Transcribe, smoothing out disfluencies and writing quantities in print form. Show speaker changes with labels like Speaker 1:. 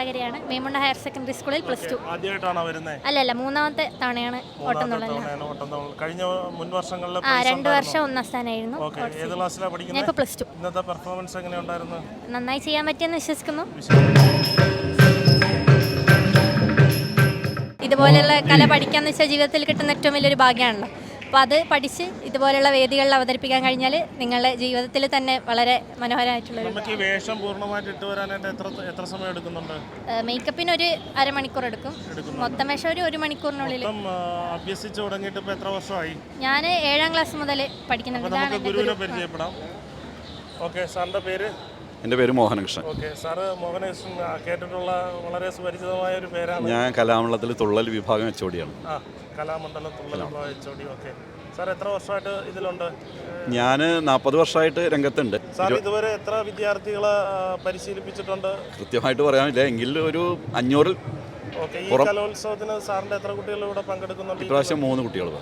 Speaker 1: വളകരയാണ്. Memunda higher secondary സ്കൂളിൽ +2.
Speaker 2: ആദ്യമായിട്ടാണോ വരുന്നത്?
Speaker 1: അല്ലല്ല, മൂന്നാമത്തെ തവണയാണ് ഓട്ടംതുള്ളൽ.
Speaker 2: കഴിഞ്ഞ മുൻ വർഷങ്ങളിൽ
Speaker 1: 2 വർഷം 1ാം സ്ഥാനമായിരുന്നു.
Speaker 2: ഏത് ക്ലാസ്സിലാണ്
Speaker 1: ഞാൻ
Speaker 2: പഠിക്കുന്നത്?
Speaker 1: ഇപ്പോൾ +2.
Speaker 2: ഇന്നത്തെ പെർഫോമൻസ് എങ്ങനെയുണ്ടായിരുന്നു?
Speaker 1: നന്നായി ചെയ്യാൻ പറ്റിയെന്ന് വിശ്വസിക്കുന്നു. ഇതുപോലെയുള്ള കല പഠിക്കാന്ന് വെച്ചാൽ ജീവിതത്തിൽ കിട്ടുന്ന ഏറ്റവും വലിയൊരു ഭാഗ്യമാണല്ലോ. അപ്പോൾ അത് പഠിച്ച് ഇതുപോലെയുള്ള വേദികളിൽ അവതരിപ്പിക്കാൻ കഴിഞ്ഞാൽ നിങ്ങളുടെ ജീവിതത്തിൽ തന്നെ വളരെ മനോഹരമായിട്ടുള്ളൊരു.
Speaker 2: നമുക്ക് ഈ വേഷം പൂർണ്ണമായിട്ട് ഇട്ട് വരാനായിട്ട് എത്ര സമയം എടുക്കുന്നുണ്ട്?
Speaker 1: മേക്കപ്പിന് ഒരു അരമണിക്കൂർ എടുക്കും. മൊത്തം വേഷം ഒരു 1 മണിക്കൂറിനുള്ളിൽ.
Speaker 2: അഭ്യസിച്ച് തുടങ്ങിയിട്ട് ഇപ്പോൾ എത്ര വർഷമായി?
Speaker 1: ഞാൻ 7ാം ക്ലാസ് മുതൽ പഠിക്കുന്നുണ്ട്.
Speaker 2: നമുക്ക് ഗുരുവിനെ പരിചയപ്പെടാം. ഓക്കെ, സാറിൻ്റെ പേര്?
Speaker 3: എൻ്റെ പേര് മോഹനകൃഷ്ണൻ.
Speaker 2: ഓക്കെ, സാറ് മോഹനകൃഷ്ണൻ കേട്ടിട്ടുള്ള വളരെ സുപരിചിതമായ ഒരു പേരാണ്.
Speaker 3: ഞാൻ കലാമണ്ഡലത്തിൽ തുള്ളൽ വിഭാഗം HOD-യാണ്.
Speaker 2: കലാമണ്ഡലം തുള്ളൽ വിഭാഗം HOD. ഓക്കെ, സാർ എത്ര വർഷമായിട്ട് ഇതിലുണ്ട്?
Speaker 3: ഞാൻ 40 വർഷമായിട്ട് രംഗത്തുണ്ട്.
Speaker 2: സാർ ഇതുവരെ എത്ര വിദ്യാർത്ഥികളെ പരിശീലിപ്പിച്ചിട്ടുണ്ട്?
Speaker 3: കൃത്യമായിട്ട് പറയാനില്ല, എങ്കിൽ ഒരു 500-ൽ.
Speaker 2: ഓക്കെ, ഈ കലോത്സവത്തിന് സാറിൻ്റെ എത്ര കുട്ടികൾ ഇവിടെ പങ്കെടുക്കുന്നുണ്ട്?
Speaker 3: ഇപ്രാവശ്യം 3 കുട്ടികൾ.